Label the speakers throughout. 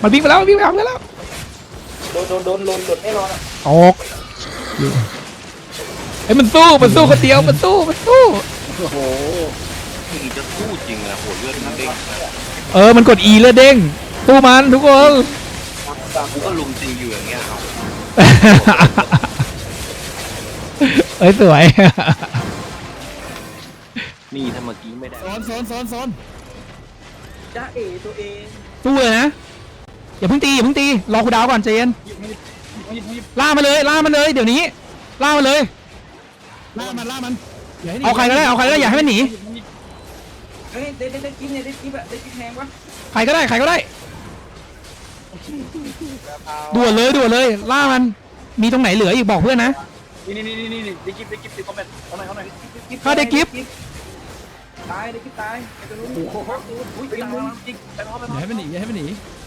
Speaker 1: มันวิ่งไปแล้ววิ่งไปแล้ว
Speaker 2: โดนหลุดแน่นอนอ่ะ
Speaker 1: ออกไอ้มันสู้คนเดียวมันสู้
Speaker 2: โอ้โห
Speaker 3: มึงจะสู้จริงนะโหเลือดมันเด้ง
Speaker 1: มันกด E เลือดเด้งสู้มันทุกคน
Speaker 3: กูก็ลุมจริงอยู่อย่างเงี้ยเอา
Speaker 1: สวย
Speaker 3: นี่ถ้าเมื่อกี้ไม่ได้
Speaker 4: โซน
Speaker 2: จ้าเอ๋ตัวเอง
Speaker 1: สู้เลยนะอย่าเพิ่งตีรอคูดาวก่อนใจเย็นล่ามันเลยเดี๋ยวนี้ล่ามันเลย
Speaker 4: ล่ามัน
Speaker 1: เอาใครก็ได้อย่าให้มันหนี
Speaker 2: เฮ้ยได้กิ๊บเนี่ยได้กิ๊บอะได้กิ๊บแพงวะ
Speaker 1: ใครก็ได้ด่วนเลยล่ามันมีตรงไหนเหลืออีกบอกเพื่อนนะ
Speaker 2: นี่ได้กิ๊บติดคอมเมนต์เอาหน่อย
Speaker 1: ถ้าได้กิ๊บ
Speaker 2: ตายได้กิ๊บตายไอ้ตัวนู้นโอ้โหอุ้ยจริงไปพอ
Speaker 4: อย่าให้มันหนี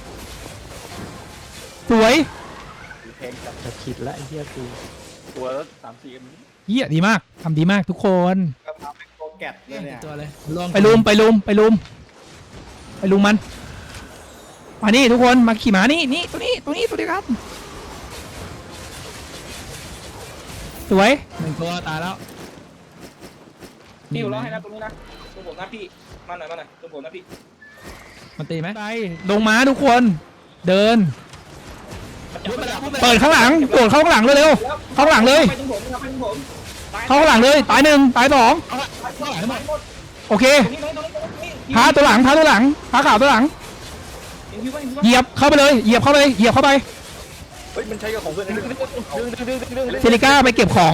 Speaker 1: สวย
Speaker 4: จะคิดละไอ้เหี้ยกู
Speaker 2: ตัวแล้ว3-4กัน
Speaker 1: เยี่ยดีมากทำดีมากทุกคน
Speaker 2: กระเพราเป็นโกแกตเลยเนี่ย
Speaker 4: ตัวเลย
Speaker 1: ไปลุมมันมานี่ทุกคนมาขี่ม้านี่ตัวนี้ครับสวย
Speaker 4: 1ตัวตายแล้ว
Speaker 2: พี่อยู่รอให้นะตรงนี้นะตรงผมนะพี่มาหน่อยตรงผมนะพี่
Speaker 4: มันตีไหม
Speaker 1: ไปลงม้าทุกคนเดินเปิดข้างหลังโดดเข้าข้างหลังเร็วๆเข้าข้างหลังเลย
Speaker 2: ไปตรงผมไปตรงผม
Speaker 1: เข้าข้างหลังเลยตาย1ตาย2โอเคพาตัวหลังพาข่าวตัวหลังเหยียบเข้าไปเลยเหยียบเข้าไป
Speaker 2: เฮ้ยมันใช้กับของเพื่อนดึง
Speaker 1: เซริก้าไปเก็บของ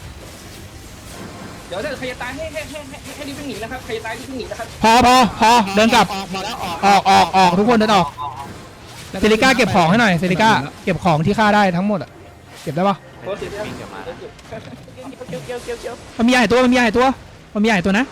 Speaker 2: เดี๋ยวถ้าใครจะตายให้รีบวิ่งหนีนะครับใครจะตายรีบวิ่งหนีนะครับ
Speaker 1: พอเดินกลับ ออกทุกคนเดินออกเซริก้าเก็บของให้หน่อยเซริก้าเก็บของที่ฆ่าได้ทั้งหมดอะเก็บได้ปะ
Speaker 2: โค้ชเสียเ
Speaker 3: วิ่งกลับมา
Speaker 2: กี่ยว
Speaker 1: มันมีใหญ่ตัวนะมันมีใหญ่ตัวนะ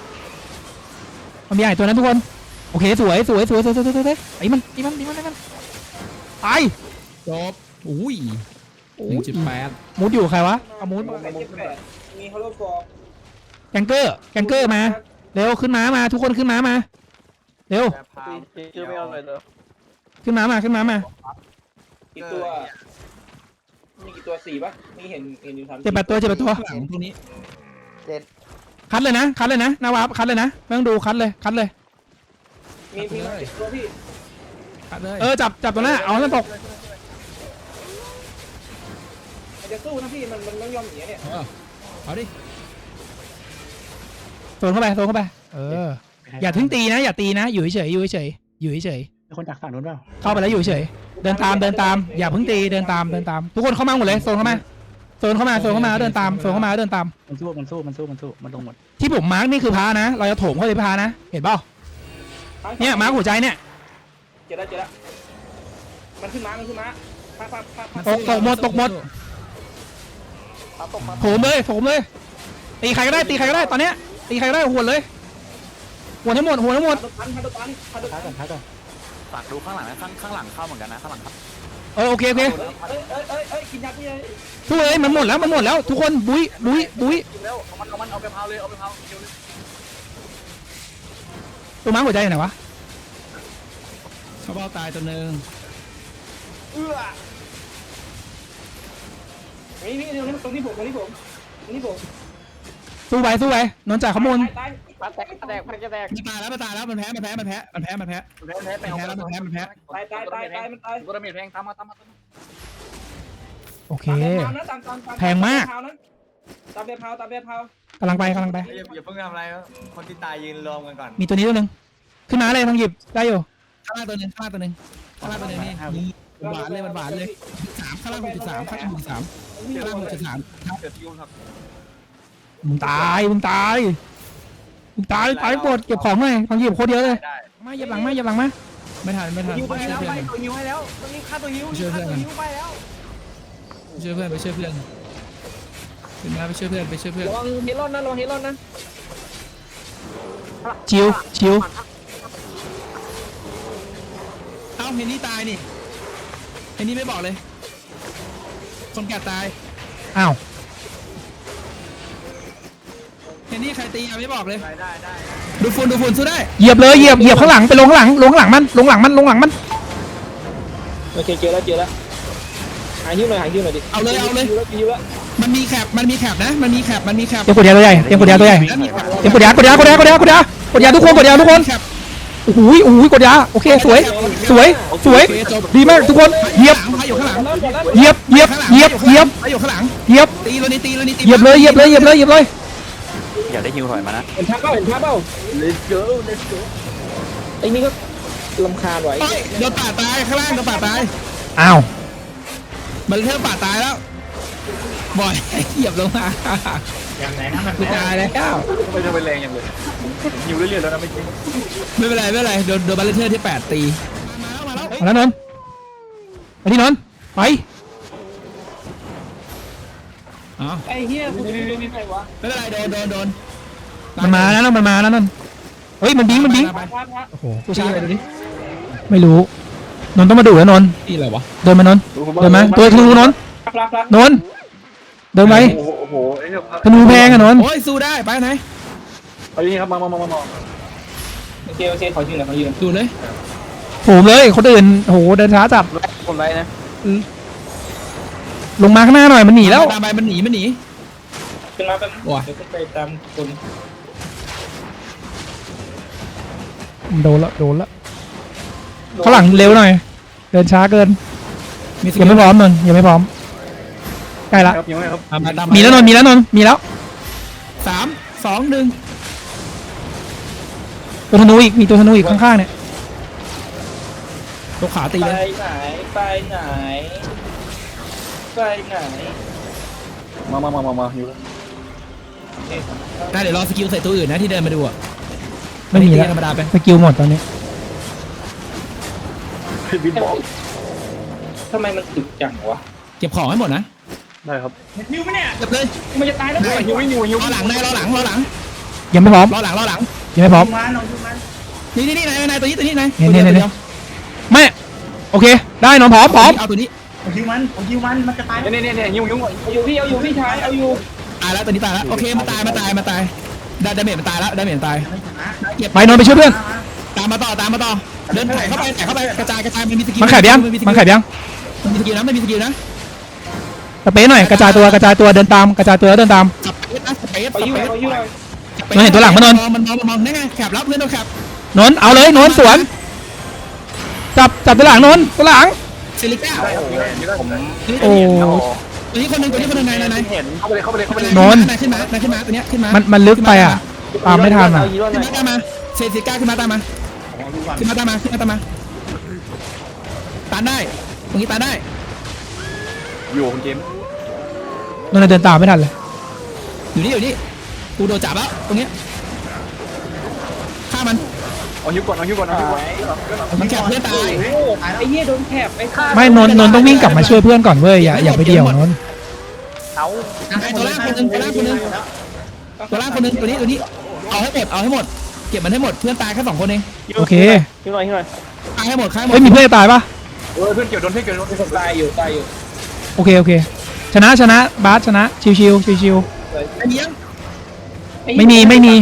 Speaker 1: ทุกคนโอเคสวยไอ้มันตาย
Speaker 4: จบอุ้ย
Speaker 1: มูดอยู่ใครวะเอามูด
Speaker 2: มีฮอลโลฟอร์
Speaker 1: แกงเกอร์มาเร็วขึ้นม้ามาทุกคนขึ้นม้ามาเร็ว
Speaker 2: ชื่อไม่เอาเลยเหรอ
Speaker 1: ขึ้นม้ามา
Speaker 2: กี่ตัวมีกี่ตัว4ป่ะมีเห็นอยู่3
Speaker 1: เจ็บแปดตัว
Speaker 4: หลังตรงนี้
Speaker 1: คัดเลยนะนาวาคัดเลยนะไม่ต้องดูคัดเลย
Speaker 2: มีตัวพี่
Speaker 4: ตัดเลย
Speaker 1: จับตัวหน้าเอาให้มันตก
Speaker 2: จะสู้นะพี่มันไม่ยอมหนีเนี่ย
Speaker 4: เอาดิ
Speaker 1: โซนเข้าไปอย่าทิ้งตีนะอย่าตีนะอยู่เฉย
Speaker 4: มีคนจากฝั่งนู้นเปล่า
Speaker 1: เข้าไปแล้วอยู่เฉยเดินตามอย่าเพิ่งตีเดินตามทุกคนเข้ามาหมดเลยโซนเข้ามาเดินตาม
Speaker 4: มันสู้มันลงหมด
Speaker 1: ที่ผมมาร์กนี่คือพานะเราจะโถมเข้าไปพานะเห็นเปล่าเนี่ยมาร์กหัวใจเนี่ย
Speaker 2: เจอแล้วมันขึ้นม้า
Speaker 1: ตกหมดโถมเลยตีใครก็ได้ตอนเนี้ยตีใครก็ได้หวนเลยหวนทั้งหมด
Speaker 2: พัน
Speaker 4: ท้ายก่อน
Speaker 3: ฝากดูข้างหลังนะข้างหลังเข้าเหมือนกันนะข้างหลังครับ
Speaker 1: โอเค
Speaker 2: เอ้ยกินยาพี่เลย
Speaker 1: ทุกเลยมันหมดแล้วทุกคนบุ้ย
Speaker 2: แล้วเอาไปเผาเลยเร็ว
Speaker 1: ตัวม้าหัวใจไหนวะ
Speaker 4: เขาเบ้าตายตัวนึง
Speaker 2: นี่ตรงนี้ผม
Speaker 1: สู้ไปนนจ่าขโมย
Speaker 2: ตายพันจะแตก
Speaker 4: มันตายแล้วมันแพ้มันตาย
Speaker 2: ตายมันตาย
Speaker 3: กูระเบิดแพงตามมา
Speaker 1: โอเค
Speaker 2: ตาม
Speaker 1: แพงมาก
Speaker 2: ตามเบียร์เผาก
Speaker 1: ำลังไป
Speaker 5: อย่าเพิ่งทำอะไรคนที่ตายยืนรวมกันก่อน
Speaker 1: มีตัวนี้ตัวนึงขึ้นมาเลยต้องหยิบได้อยู่
Speaker 4: ข้างล่างตัวนึงนี่หวานเลยข้างล่าง6.3ข้างล่าง6.3ครับ
Speaker 1: มึงตายหมดเก็บของหน่อยต้องหยิบโคตรเยอะเลยมาเหยียบหลังมา
Speaker 4: ไม่ทัน
Speaker 2: ยิวไปแล้วไปตัวยิวให้แล้วมันนี่ฆ่าตัวยิวไปแล้ว
Speaker 4: ไปช่วยเพื่อนขึ้นมาไปช่วยเพื่อน
Speaker 2: ระวังเฮลอนนะ
Speaker 1: ชิว
Speaker 4: เอ้าเฮนนี่ตายนี่เฮนนี่ไม่บอกเลยคนแก่ตาย
Speaker 1: อ้าว
Speaker 4: เฮนนี่ใครตีไม่บอกเลย
Speaker 5: ได้
Speaker 4: ดูฝุ่นสู้ได้
Speaker 1: เหยียบเลยเหยียบข้างหลังไปลงข้างหลังมัน
Speaker 2: โอเคเจอแล้วหาหิ้วหน่อยดิ
Speaker 4: เอาเลย
Speaker 2: หิ้วแล้ว
Speaker 4: มันมีแคปนะมันมีแคป
Speaker 1: เตรียมกดยาตัวใหญ่เตรียมกดยาตัวใหญ่
Speaker 4: แล้วมีแคป
Speaker 1: เตรียมกดยากดยาทุกคนโอ้โหกดยาโอเคสวยดีมากทุกคนเหยียบ
Speaker 4: พาอยู่ข้างหลัง
Speaker 1: เหยียบ
Speaker 4: พาอยู่ข้างหลัง
Speaker 1: เหยียบ
Speaker 4: ตีเลยตี
Speaker 1: เหยียบเลย
Speaker 3: อยากได้ฮิวถอยมานะ
Speaker 2: เห็นภาพเปล่า
Speaker 3: Let's go
Speaker 2: ไอ้นี่ก็ลำคาญไว้
Speaker 4: โดนป่าตายข้างล่างโดนป่าตาย
Speaker 1: อ้าว
Speaker 4: มันเริ่มป่าตายแล้วบ่อยเหยียบลงมา
Speaker 5: อย่างไหนนะมัน
Speaker 4: กูตายแล้ว
Speaker 3: ไม่จะไปแรงอย่างเลยฮิวเรื่อยๆแล้วนะไม่จริง
Speaker 4: ไม่เป็นไรโดนบัลเลเทอร์ที่8ตีมาแล้ว
Speaker 1: มาแล้วนนท์ไปที่นนท์ไป
Speaker 4: อ๋อ
Speaker 2: ไอ้เหี้ยกูจะไม่ใครวะ
Speaker 4: ไม่เป็นไรโดน
Speaker 1: มันมาแล้วนนท์เฮ้ยมันบิง
Speaker 2: พระ
Speaker 1: โอ้โห
Speaker 4: กูชี้อะไรดูดิ
Speaker 1: ไม่รู้นนท์ต้องมาดูแล้วนนท์
Speaker 4: นี่อะไรวะ
Speaker 1: เดินมานนท์เดินมาตัวธนูนนท์
Speaker 2: พระ
Speaker 1: นนท์เดินไป
Speaker 3: โอ้โหไอ้เนี่ย
Speaker 1: ธนูแพงอะนนท์
Speaker 4: โอ้ยสู้ได้ไปไหน
Speaker 3: เอาอย่างนี้ครับมา
Speaker 2: โอเคขอยืนหน่อย
Speaker 4: ดูเลย
Speaker 1: โหมเลยคนอื่นโหเดินช้าจับ
Speaker 3: คนไรนะ
Speaker 1: ลงมาข้างหน้าหน่อยมันหนีแล้ว
Speaker 4: ตามไปมันหนี
Speaker 2: ขึ้นมาเป็นเดี๋ยวขึ้นไปตามคน
Speaker 1: โดนละข้างหลังเร็วหน่อยเดินช้าเกินยังไม่พร้อมนนท์ยังไม่พร้อมใกล้ละ
Speaker 3: ครับยังไงครับ
Speaker 1: มีแล้วนนท์มีแล้ว
Speaker 4: 3 2 1
Speaker 1: ตัวธนูอีกมีตัวธนูอีกข้างๆเนี่ย
Speaker 4: ตัวขาตี
Speaker 2: ไป
Speaker 4: เลย
Speaker 2: ไหน
Speaker 3: มาฮิว
Speaker 4: ได้เดี๋ยวรอสกิลใส่ตัวอื่นนะที่เดินมาดูอ่ะ
Speaker 1: ไม่มีแล้ว
Speaker 4: ธรรมดาไป
Speaker 1: สกิลหมดตอนนี้
Speaker 3: บินบอล
Speaker 2: ทำไมมันตึกจังวะ
Speaker 4: เก็บของให้หมดนะ
Speaker 3: ได้ครับ
Speaker 2: หิวไหมเนี่ย
Speaker 4: เก็บเลย
Speaker 2: มันจะตายแล้ว
Speaker 3: ฮิวไม่ฮิว
Speaker 4: รอหลังรอหลัง
Speaker 1: ยังไม่พร้อม
Speaker 4: รอหลัง
Speaker 1: ยังไม่พร้อม
Speaker 4: นี่นายตัวนี้นาย
Speaker 1: เนี่ยไม่โอเคได้นนท์พร้อม
Speaker 4: เอาตัวนี้
Speaker 5: ผมฮิวมันมันจะตาย
Speaker 3: เนี่ยฮิว
Speaker 2: เอาอยู่พี่ชายเอาอยู่
Speaker 4: ตายแล้วตัวนี้ตายแล้วโอเคมันตายดาเมจมันตายแล้วดาเมจมันตายเก็บ
Speaker 1: ไปนนท์ไปช่วยเพื่อน
Speaker 4: ตามมาต่อเดินถ่ายเข้าไปกระจายมันมีสกิล
Speaker 1: มันขายยัง
Speaker 4: มันมีสกิลนะ
Speaker 1: สเปซหน่อยกระจายตัวเดินตามกระจายตัวแล้วเดินตาม
Speaker 4: สเปซ
Speaker 2: เอาอยู่
Speaker 1: มันเห็นตัวหลังปะนนท์
Speaker 4: มันมองนั่นไงแคปรับเพื่อนเราแคป
Speaker 1: นนท์เอาเลยนนท์สวนจับตัวหลังนนท์ตัวหลัง
Speaker 4: ซิลิก้า
Speaker 3: ผม
Speaker 1: โอ้
Speaker 4: ตัวนี้คนหนึ่งนาย
Speaker 3: เห็นเข้าไปเลย
Speaker 1: นนท์
Speaker 4: นายขึ้นมาตัวเนี้ยขึ้นมา
Speaker 1: มันลึกไปอ่ะตามไม่ทันอ่ะ
Speaker 4: ขึ้นมาตามมาเซซิก้าขึ้นมาตามมาตานได้ตรงนี้ตานได้
Speaker 3: อยู่คุณเจม
Speaker 1: นนท์เดินตามไม่ทันเลย
Speaker 4: อยู่นี่กูโดนจับแล้วตรงเนี้ยฆ่ามัน
Speaker 3: เอาฮิวก่อน
Speaker 4: มันแคปเพื่อนตาย
Speaker 2: ไอ้เหี้ยโดนแถบไอ้ข้า
Speaker 1: ไม่นนท์ต้องวิ่งกลับมาช่วยเพื่อนก่อนเว้ยอย่าไปเดี่ยวนนท์
Speaker 4: ตัวล่างคนหนึ่งตัวล่างคนหนึ่งตัวนี้เอาให้หมดเก็บมันให้หมดเพื่อนตายแค่2 คนเอง
Speaker 1: โอเค
Speaker 2: หิวหน่อย
Speaker 4: ตายให้หมด
Speaker 1: เฮ้ยมีเพื่อนจะตายปะ
Speaker 3: เพื่อนเกี่ยวโดน
Speaker 2: ตายอยู่
Speaker 1: โอเคชนะบาสชนะชิว
Speaker 4: ไอ้เนี้ย
Speaker 1: ไม่มี
Speaker 3: ไม่มี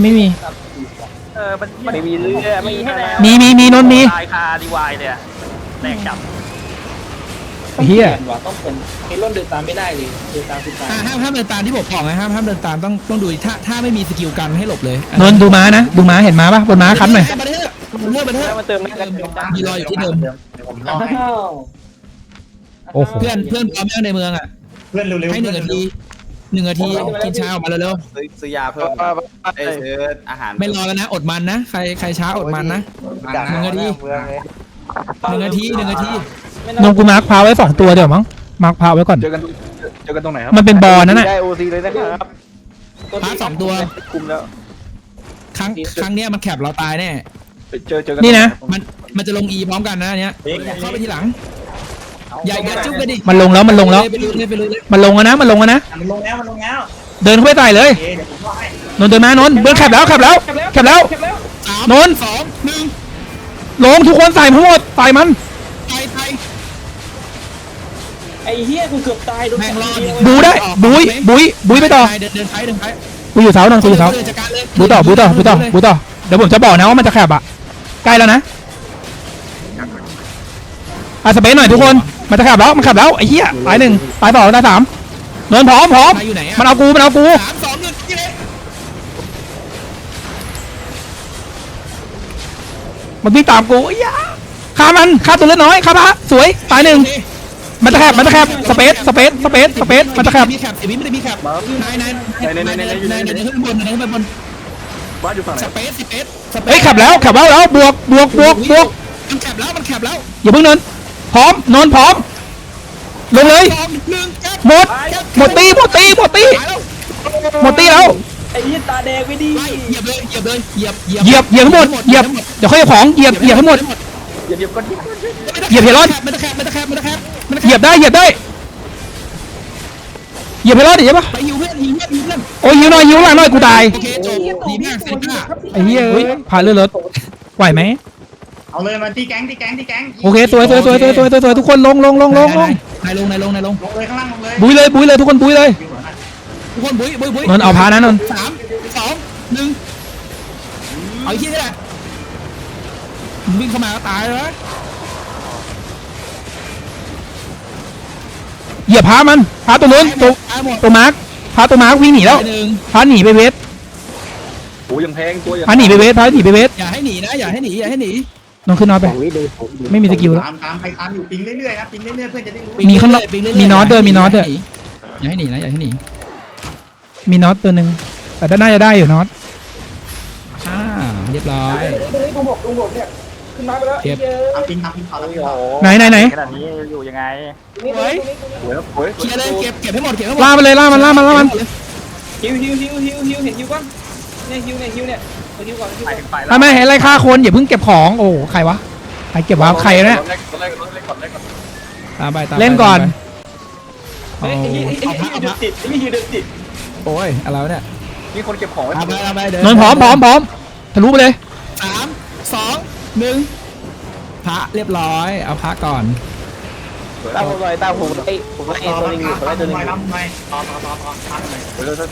Speaker 3: เรือไม่มีให้แล้ว
Speaker 1: มีนนท์มี
Speaker 3: ตายคาดีวายเลยแตกจับ
Speaker 1: เฮีย
Speaker 2: ต้องเป็นไอ้ร่นเดินตามไม่ได้เลยเดินตามคือตาย
Speaker 4: ห้ามเดินตามที่ผมบอกนะห้ามเดินตามต้องดูถ้าไม่มีสกิลกันให้หลบเลย
Speaker 1: นนท์ดูม้านะดูม้าเห็นม้าปะบนม้าคันหน่อย
Speaker 4: บันเทอร์
Speaker 2: เติมไม่ได้
Speaker 4: มีรออยู่ที่เดิม
Speaker 5: ผมรอให้
Speaker 1: โอ้โห
Speaker 4: เพื่อนพร้อมแล้วในเมืองอ่ะ
Speaker 5: เพื่อนเร็วๆ
Speaker 4: ให้1 นาทีกินเช้าออกมาเร็ว
Speaker 3: ซื้อยาเพิ่มซื้ออาหาร
Speaker 4: ๆไม่รอแล้วนะอดมันนะใครช้าอดมันนะ 1 นาที 1 นาที
Speaker 1: นนท์กูมาร์คพาไว้2 ตัวเดี๋ยวมั้งมาร์คพาไว้ก่อน
Speaker 3: เจอกันตรงไหนครับ
Speaker 1: มันเป็นบอลนั่นแหละ
Speaker 3: ได้โอซีเลยนะครับ
Speaker 4: พา2 ตัว
Speaker 3: คุมแล้ว
Speaker 4: ครั้งเนี้ยมันแคปเราตายแน่
Speaker 3: เจอกัน
Speaker 1: นี่นะ
Speaker 4: มันจะลง E พร้อมกันนะอันเนี้ยเข้าไปทีหลังอย่าจุ๊บกันดิ
Speaker 1: มันลงแล้ว
Speaker 4: ไปเลย
Speaker 1: มันลงแล้วนะ
Speaker 5: มันลงแล้ว
Speaker 1: เดินเข้าไปใส่เลย
Speaker 5: เดี๋ยวผมรอให้
Speaker 1: นนท์เดินมานนท์เบิร์นแคปแล้ว
Speaker 4: 3
Speaker 1: นนท์
Speaker 4: 2 1
Speaker 1: ลงทุกคนใส่ทั้งหมดใส่มัน
Speaker 4: ไป
Speaker 2: ไอ้เหี้ยกูเกือบตายโดน
Speaker 4: แม่งรอด
Speaker 1: บูได้บุยไปต่อ
Speaker 4: เดินไป
Speaker 1: กูอยู่เสานนท์กูอยู่เสา
Speaker 4: จัดการเลย
Speaker 1: บูต่อเดี๋ยวผมจะบอกนะว่ามันจะแคบอ่ะใกล้แล้วนะสเปซหน่อยทุกคนมันจะขับแล้วมันขับแล้วไอ้เหี้ยตายหนึ่งตายสองตายสามนนพร้อม
Speaker 4: ใครอยู่ไหนอะ
Speaker 1: มันเอากู
Speaker 4: 3 2 1ยิงเลย
Speaker 1: มันวิ่งตามกูไอ้เหี้ยฆ่ามันฆ่าตัวเล็กน้อยฆ่าพระสวยตายหนึ่งมันจะแคบสเปซมันจะแคบ
Speaker 4: มีแคปไม่ได้มีแคปนายขึ้นบนขึ้นบน
Speaker 3: บ้านอยู่ฝั่งไหน
Speaker 4: สเปซ
Speaker 1: เฮ้ยขับแล้วบวก
Speaker 4: มันแคปแล้ว
Speaker 1: อย่าเพิ่งเนินพร้อมนนพร้อมลงเลย
Speaker 4: 2 1
Speaker 1: หมดตีแล้ว
Speaker 2: ไอ้ยี่ตาแดงไม่ดี
Speaker 4: เหยียบเลยเหยียบ
Speaker 1: เหยียบทั้งหมดเหยียบเดี๋ยวค่อยเอาของเหยียบทั้งหมด
Speaker 3: อย่าเดียบก้อน
Speaker 1: เหยียบเฮรอด
Speaker 4: มันจะแคบ
Speaker 1: เหยียบได้เหยียบเฮรอดดิใช่ปะ
Speaker 4: ไปหิวเพื่อน
Speaker 1: โอ้ยหิวหน่อยหิวหลังหน่อยกูตาย
Speaker 4: โอเคจบดีมากเซนต้า
Speaker 1: ไอ้เหี้ยเอ้ยผ่านเรือรถไหวไหม
Speaker 5: เอาเลยมาตีแก๊ง
Speaker 1: โอเคสวยทุกคนลง
Speaker 4: นายลง
Speaker 5: ลงเลยข้างล่างลงเลย
Speaker 1: บุยเลยทุกคนบุยเลย
Speaker 4: ทุกคนบุ้ย
Speaker 1: นนท์เอาพานะนนท์
Speaker 4: 3 2 1เอาอีกทีนี่แหละวิ่งเข้ามาก็ตายแล้ว
Speaker 1: เหยียบพามันพาตัวนู้นตัวมาร์คพาตัวมาร์ควิ่งหนีแล้ว
Speaker 4: หนึ่ง
Speaker 1: พาหนีไปเวท
Speaker 3: โอ้ยังแพงตัวยัง
Speaker 1: พาหนีไปเวท
Speaker 4: อย่าให้หนีนะอย่าให้หนี
Speaker 1: นนท์ขึ้นนอนไปไม่มีสกิลแล้ว
Speaker 5: ตามใครตามอยู่ปิงเรื่อยๆครับปิงเรื่อยๆเพื่อนจะได้รู้
Speaker 1: มีข้างนอก มีน็อตด้วย
Speaker 4: อย่าให้หนีนะอย่าให้หนี
Speaker 1: มีน็อตตัวหนึ่งแต่น่าจะได้อยู่น็อต
Speaker 4: เรียบร้อย
Speaker 2: ตรงผมเนี่ยขึ้นมาไปแล้ว
Speaker 4: เก็บ
Speaker 5: ตามปิงเขาแล้วปิงเขา
Speaker 1: ไหน
Speaker 3: ขนาดนี้อยู่ยังไง
Speaker 2: นี่
Speaker 3: โอ้ย
Speaker 4: เคลียร์เลยเก็บให้หมด
Speaker 1: ล่ามันเลยล่ามัน
Speaker 2: ฮิวเห็นฮิวก่อนเนี่ยฮิวเนี่ยเอาฮิวก่อน
Speaker 3: ไปถึงไปแล้ว
Speaker 1: ทำไมเห็นอะไรฆ่าคนอย่าเพิ่งเก็บของโอ้ใครวะใครเก็บวะใครเนี่ย
Speaker 4: ตามไป
Speaker 1: เล่นก่อน
Speaker 2: ไอ้ฮิวเดินติด
Speaker 4: โอ้ยอะไรวะเนี่ย
Speaker 3: มีคนเก็บของไว้
Speaker 4: ตามไปเดิ
Speaker 1: นนท์พร้อมทะลุไปเลย
Speaker 4: 3 2 1พระเรียบร้อยเอาพระก่อน
Speaker 3: ตามผมหน่อยผมไอ้ตัวนึงอยู่ตัวนึง
Speaker 5: ทำไมต่อตามหน่อย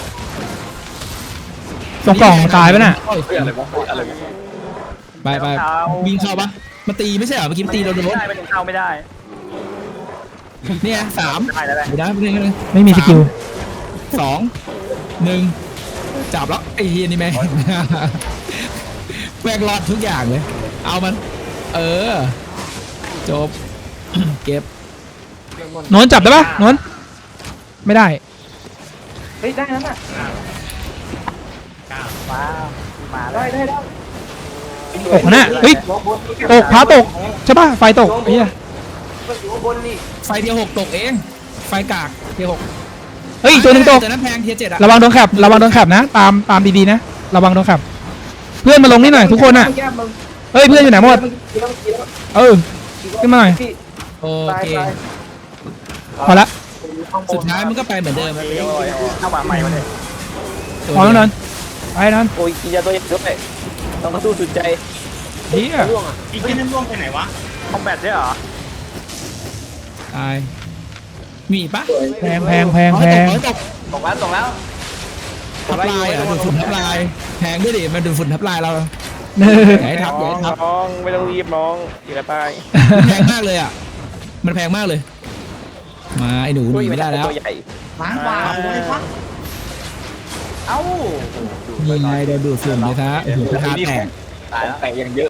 Speaker 1: ตรงกล่องตายไปน่ะ
Speaker 3: อะไรวะอะไรวะ
Speaker 4: ไปวิ่งเข้าปะมันตีไม่ใช่เหรอเมื่อกี้มันตีเราโดน
Speaker 3: ไม่เข้าไม่ได้
Speaker 4: เนี่ย3
Speaker 3: ได้แล้ว
Speaker 4: ไม่ได้
Speaker 1: ไม่มีสกิล
Speaker 4: 2 1จับแล้วไอ้เฮียนี่แม่งแม่งรอดทุกอย่างเลยเอามันจบ เก็บ
Speaker 1: นนท์จับได้ปะนนท์ไม่ได้
Speaker 2: เฮ้ยได้นั้นน่ะ
Speaker 3: ว้าวมาแล้ว
Speaker 2: ได้
Speaker 1: ตกนะเฮ้ยตกพาตกใช่ปะไฟตกไอ้เหี้ย
Speaker 2: อยู่ข้างบนนี่
Speaker 4: ไฟเทียร์6ตกเองไฟกากเทียร์
Speaker 1: เฮ้ยอีกตัวหนึงตก
Speaker 4: แต่นั้นแพงเทียร์7อะ
Speaker 1: ระวังโดนขับนะตามดีๆนะระวังโดนขับ เพื่อนมาลงนี่หน่อยทุกคนอ่ะเฮ้ยเพื่อนอยู่ไหนหมดขึ้นมาหน่อย
Speaker 4: โอเค
Speaker 1: พอละ
Speaker 4: สุดท้ายมันก็ไปเหมือนเดิม
Speaker 3: เข้ามาใหม่มาเลย
Speaker 1: พอแล้วนนท์ไปนนท์
Speaker 3: โอ้ยกินยาตัวใหญ่ด้วยต้องมาสู้สุดใจ
Speaker 1: เฮีย
Speaker 5: อีกที่นั่นร่วงไปไหนวะ
Speaker 3: คอมแบทใช่เหรอ
Speaker 4: ตายมีปะ
Speaker 1: แพง
Speaker 4: ตก
Speaker 3: ตกแล้ว
Speaker 4: ทับลายอ่ะดูดฝุ่นทับลายแพงด้วยดิมันดูดฝุ่นทับลายเรา
Speaker 1: เนอ
Speaker 4: อย่าให้ทับ
Speaker 3: น้องไม่ต้องรีบน้องอย่าไป
Speaker 4: แพงมากเลยอ่ะมันแพงมากเลย มาไอ้หนูหนีไม่ได้แล้ว
Speaker 3: ตัวใหญ่
Speaker 5: ล้างกว่าเลยครับ
Speaker 3: เอ้า
Speaker 4: นี่ไงโดนดูดฝุ่นเลยครับโอ้โหกระทะแตก
Speaker 3: ตายแล้วแต่ยังเยอะ